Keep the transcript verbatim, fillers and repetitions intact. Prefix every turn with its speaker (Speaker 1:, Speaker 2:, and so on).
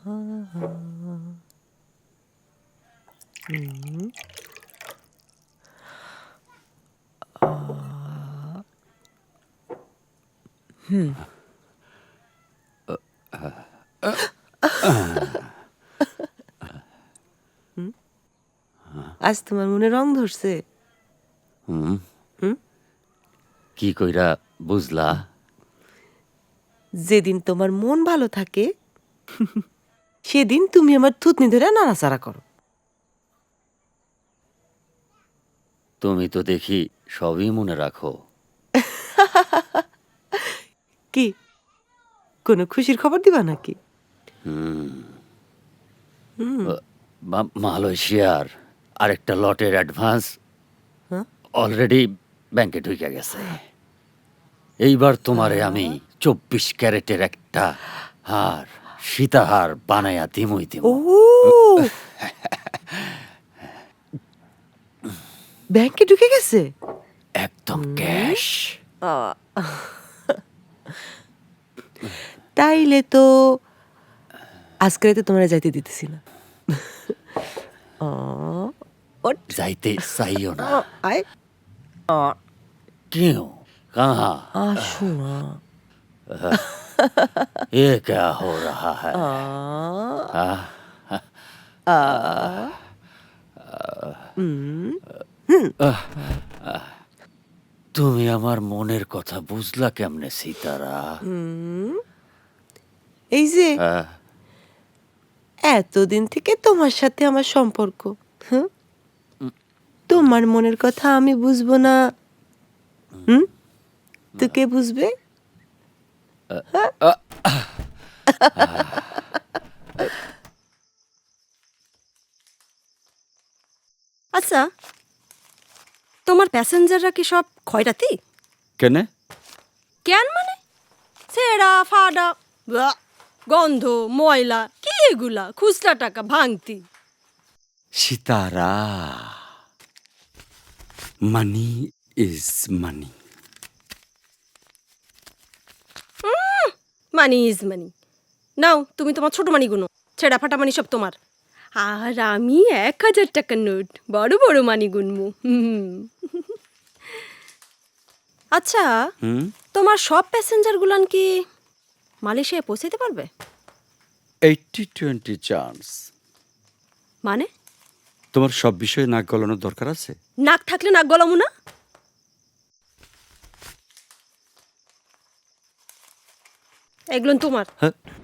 Speaker 1: হুম। আ হুম। হুম? আজ তোমার মনে রং ধরছে?
Speaker 2: হুম।
Speaker 1: হুম?
Speaker 2: কি কইরা বুঝলা?
Speaker 1: যেদিন তোমার মন ভালো থাকে সেদিন তুমি আমার থুতনি ধইরা নাড়াচাড়া করো।
Speaker 2: তুমি তো দেখি সবই মনে রাখো।
Speaker 1: কি? কোনো খুশির খবর দিবা নাকি?
Speaker 2: হুম।
Speaker 1: হুম।
Speaker 2: আ মা মালয়েশিয়ার আরেকটা লটের অ্যাডভান্স
Speaker 1: হ্যাঁ?
Speaker 2: অলরেডি ব্যাংকে ঢুইকা গেছে। এইবার তোমারে আমি
Speaker 1: আ
Speaker 2: চব্বিশ ক্যারেটের একটা হার, সীতাহার বানাইয়া দিমুই
Speaker 1: ও!
Speaker 2: দিমু।
Speaker 1: ব্যাংকে ঢুকে গেছে?
Speaker 2: একদম
Speaker 1: হুম।
Speaker 2: ক্যাশ।
Speaker 1: আ তাইলে তো আজকে রাতে তোমারে যাইতে দিতেছি না। অ ওঠ।
Speaker 2: যাইতে চাইও
Speaker 1: আ
Speaker 2: না।
Speaker 1: আয়। আ
Speaker 2: क्यों? कहाँ?
Speaker 1: আসো না।
Speaker 2: ये क्या हो रहा है?
Speaker 1: আ
Speaker 2: हाँ?
Speaker 1: আ হুম। হুম। আ
Speaker 2: তুমি আমার মনের কথা বুঝলা কেমনে সীতারা?
Speaker 1: হুম। এই যে
Speaker 2: হ্যাঁ?
Speaker 1: এতদিন থেকে তোমার সাথে আমার সম্পর্ক। হুম?
Speaker 2: উম
Speaker 1: তোমার মনের কথা আমি বুঝবো না। হুম? তো কে বুঝবে? হ্যাঁ?
Speaker 2: আ
Speaker 3: আচ্ছা, তোমার প্যাসেঞ্জাররা কি সব খয়রাতি?
Speaker 2: কেনে?
Speaker 3: কেন মানে? ছেঁড়া ফাড়া, ব্যাক, গন্ধ, ময়লা, কি এগুলা? খুচরা টাকা ভাঙতি।
Speaker 4: Sitara, money is money.
Speaker 3: Money is money. নাও, তুমি তোমার ছোট মানি গুনো। ছেঁড়া ফাটা মানি সব তোমার। আর আমি এক হাজার টাকার নোট, বড় বড় মানি গুনমু। হুম। আচ্ছা,
Speaker 4: হুম
Speaker 3: তোমার সব প্যাসেঞ্জার গুলান কি মালয়েশিয়ায় পৌঁছাইতে পারবে?
Speaker 4: Eighty twenty chance.
Speaker 3: মানে?
Speaker 4: তোমার সব বিষয়ে নাক গলানোর দরকার আছে?
Speaker 3: নাক থাকলে নাক গলামু না? এগুলো তোমার।
Speaker 4: হ্যাঁ